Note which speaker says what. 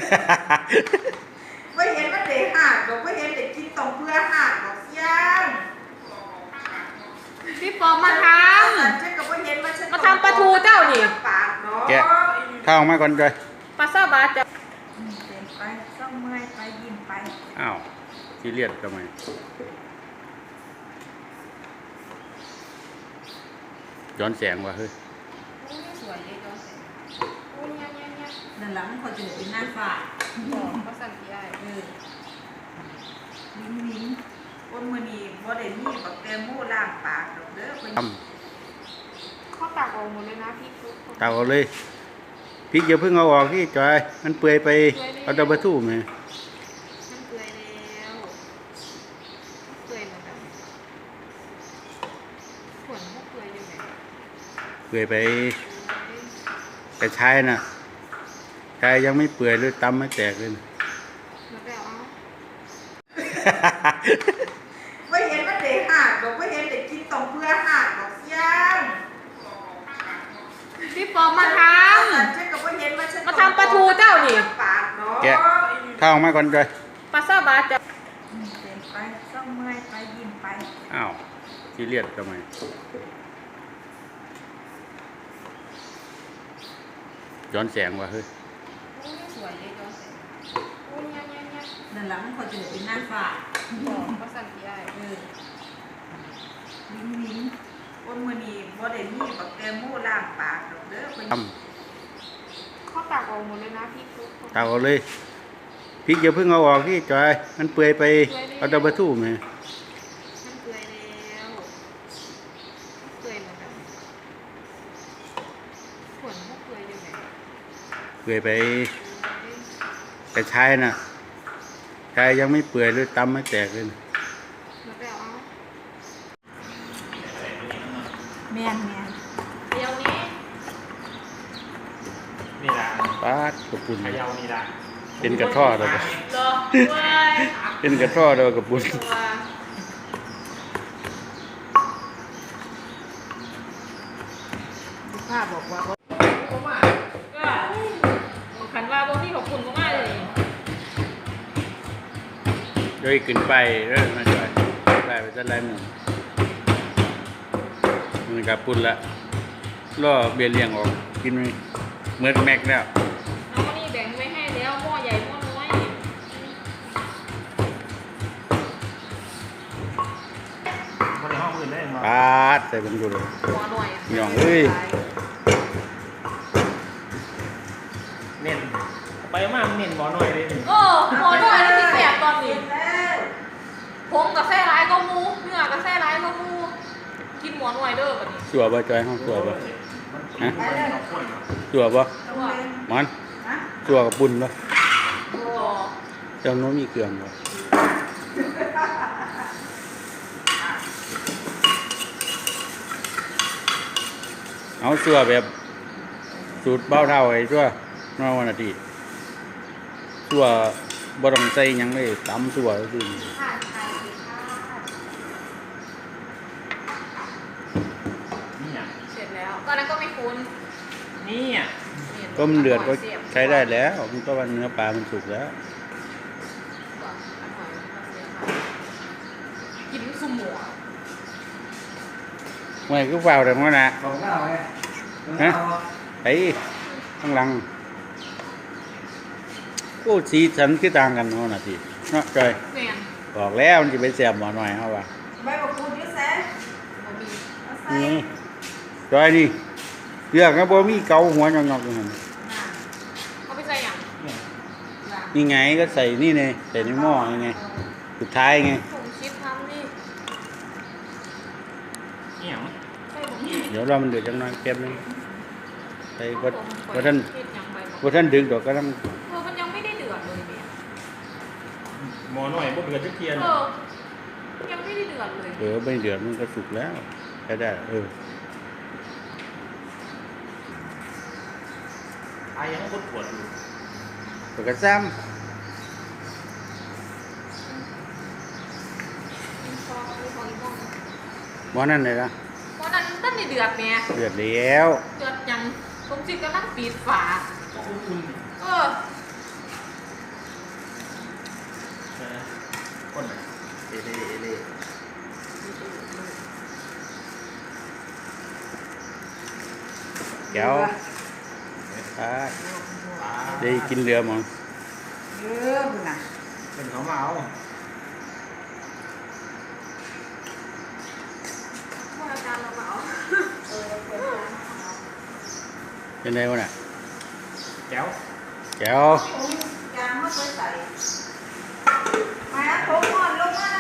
Speaker 1: ไม่เห็นมันเด็กหักหรอกไม่เห็นเด็กกินตรงเพื่อหักหรอกเสียง
Speaker 2: พี่ปอมาท
Speaker 1: ำ
Speaker 2: มาทำปลาทูเจ้านี่
Speaker 3: แกะข้าวมาก่อนเลย
Speaker 2: ปลาซาบะจะ
Speaker 1: เดินไปต้องเมื่อยไปยิ้มไป
Speaker 3: อ้าวซีเรียสทำไมย้อนแสงว่ะเฮ้ย
Speaker 2: สวยเลยจ้าโอ้ยเนี่ย
Speaker 1: นั่นแหละมันเขาจะเป็นหน้าฝ่า
Speaker 2: ก็สั่งที่ได้
Speaker 1: ลิ้นก้นมือนีบ่ได้มีบักแตงโมล้างปากดอกเด้อเป็น
Speaker 2: ข้อตักออกหมดเลยนะพี่
Speaker 3: ตักเอาเลยพริกอย่าเพิ่งเอาออกที่จอยมันเปื่อยไปเอาตะบะทู่ไหม
Speaker 2: มันเปื่อยแล้วเปื่อยเหมือนกันส่วนพวกเปื่อยอยู่ไหน
Speaker 3: เปื่อยไปแต่ชายน่ะชายยังไม่เปื่อยเลยตำไม่แตกเลย
Speaker 1: ไม่เห็นมันเด็กหักหรอกไม่เห็นเด็กกินตรงเพื่อหักหรอกเสียง
Speaker 2: พี่ปอมาทำมาทำปลาทูเจ้านี่
Speaker 3: แกะข้าวมาก่อนเลย
Speaker 2: ปลาซาบะจะ
Speaker 1: เดินไปต้องเมื่อยไปยิ้มไป
Speaker 3: อ้าวซีเรียสทำไมย้อนแสงว่ะเฮ้ย
Speaker 2: สวยเลยจ้าโอ้ยเนี่ย
Speaker 1: นั่นแหละมันเขาจะเป็นหน้าฝ่า
Speaker 2: ก็สั่งที่ได้
Speaker 1: ลิ้นก้นมือนีบ่ได้มีบักแตงโมล้างปากดอกเด้อเป็น
Speaker 2: ข้อตักออกหมดเลยนะพี่
Speaker 3: ตักเอาเลยพริกอย่าเพิ่งเอาออกที่จอยมันเปื่อยไปเอาตะบะทู่ไหม
Speaker 2: มันเปื่อยแล้วเปื่อยเหมือนกันส่วนพวกเปื่อยอยู่ไหน
Speaker 3: เปื่อยไปแต่ชายน่ะชายยังไม่เปื่อยเลยตำไม่แตกเลย
Speaker 1: แม่น
Speaker 2: เดี๋ยวนี้
Speaker 4: นี่ละ
Speaker 3: ป้าดกระปุน
Speaker 4: ยาวนี่ละ
Speaker 3: เป็นกระท่อเลยเป็นกระท่อเลยกระปุน
Speaker 1: ภาพบอกว่า
Speaker 2: ขันว่าพวกพี่ขอบคุณมากเลย
Speaker 3: โดยขึ้นไปเริ่มมาจ่อยได้ไปจะไล่หนึ่งมันกระปุนละล่อเบียร์เลี้ยงออกกินไหมเมื่อแม็กแล้ว
Speaker 2: น้องนี่แบ่งไว้ให้แล้วหม้อใหญ่หม้อน้อย
Speaker 4: คนในห้องอื่นได้ไหม
Speaker 3: ปาดใส่เป็นดูเลย
Speaker 2: หม้อหน่อย
Speaker 3: หย่องเอ้ย
Speaker 4: เน้นไปมากเน้นหมอหน่อยเลย
Speaker 2: โอ้หม้อหน่อยแล้วที่แสบตอนนี้ผมกับแซ่ร้ายก็มูเนื้อกับแซ่ร้ายก็มูกินหม้อหน่อยเด้อแบบนี้
Speaker 3: สัวบ่จอยห้องสัวบ่ฮะสัวบ่มันสัวกับปุ้นบ่เจ้าโน้มมีเกลือบ่เอาสัวแบบสูตรเบ้าเท่าไอ้สัวนอกวันอาทิตย์สัวบ่ต้องใส่หยังเลยตำสัวซื่อ
Speaker 2: เสร็จแล้วตอนนั้นก็ไม่คุ้น
Speaker 4: นี่
Speaker 3: ก็มันเดือดก็ใช้ได้แล้วมันก็ว่าเนื้อปลามันสุกแล้ว
Speaker 2: กินสุ่มหมู
Speaker 3: ไม่ก็vào được nó nè hả thấy thằng lăng cô xí sẵn cái tàngกันnó là gì nó trời บอกแล้วมันจะไปแสบหมอหน่อยเขาว่า
Speaker 1: ใบบักกูดเยอะแซ่
Speaker 3: นี่จอยนี่เลือกนะบ่มีเกาหัวงอกๆอยู่หั่น
Speaker 2: เอาไปใส่หยัง
Speaker 3: นี่ไงก็ใส่นี่ไงใส่ในหม้อยังไงสุดท้ายไง
Speaker 2: ผมชิปทำนี่
Speaker 3: เดี๋ยวเรามันเดือดจังหน่อยแป๊บนึงใส่บ่ท่านดึกดอกก็ต้อง
Speaker 2: มันยังไม่ได้เดือดเลยเนี่ย
Speaker 4: หมอหน่อยพวกเดือดทุกเทียน
Speaker 2: ยังไม่ได้เดือดเลย
Speaker 3: ไม่เดือดมันก็สุกแล้วใช้ได้
Speaker 4: ไอ้ยังก็ปวดอยู่
Speaker 3: ปวดกระซ้ำหมอนั่นเลยนะ
Speaker 2: หมอนั่นตั้งในเดือดเนี่ย
Speaker 3: เดือดแล้ว
Speaker 2: เดือดยังผมจิกกำลังปิดฝา
Speaker 4: เล่เล่
Speaker 3: แก้วได้กินเรือมั้ง
Speaker 1: เยอะบุญน่ะ
Speaker 4: เป็นเขามาเอา
Speaker 2: ว่าอาจารย์เราเอา
Speaker 3: เป็นไงวะน่ะ
Speaker 4: แก้ว
Speaker 3: แก้ว
Speaker 1: ยางมาใส่มาผมก่อนลงมา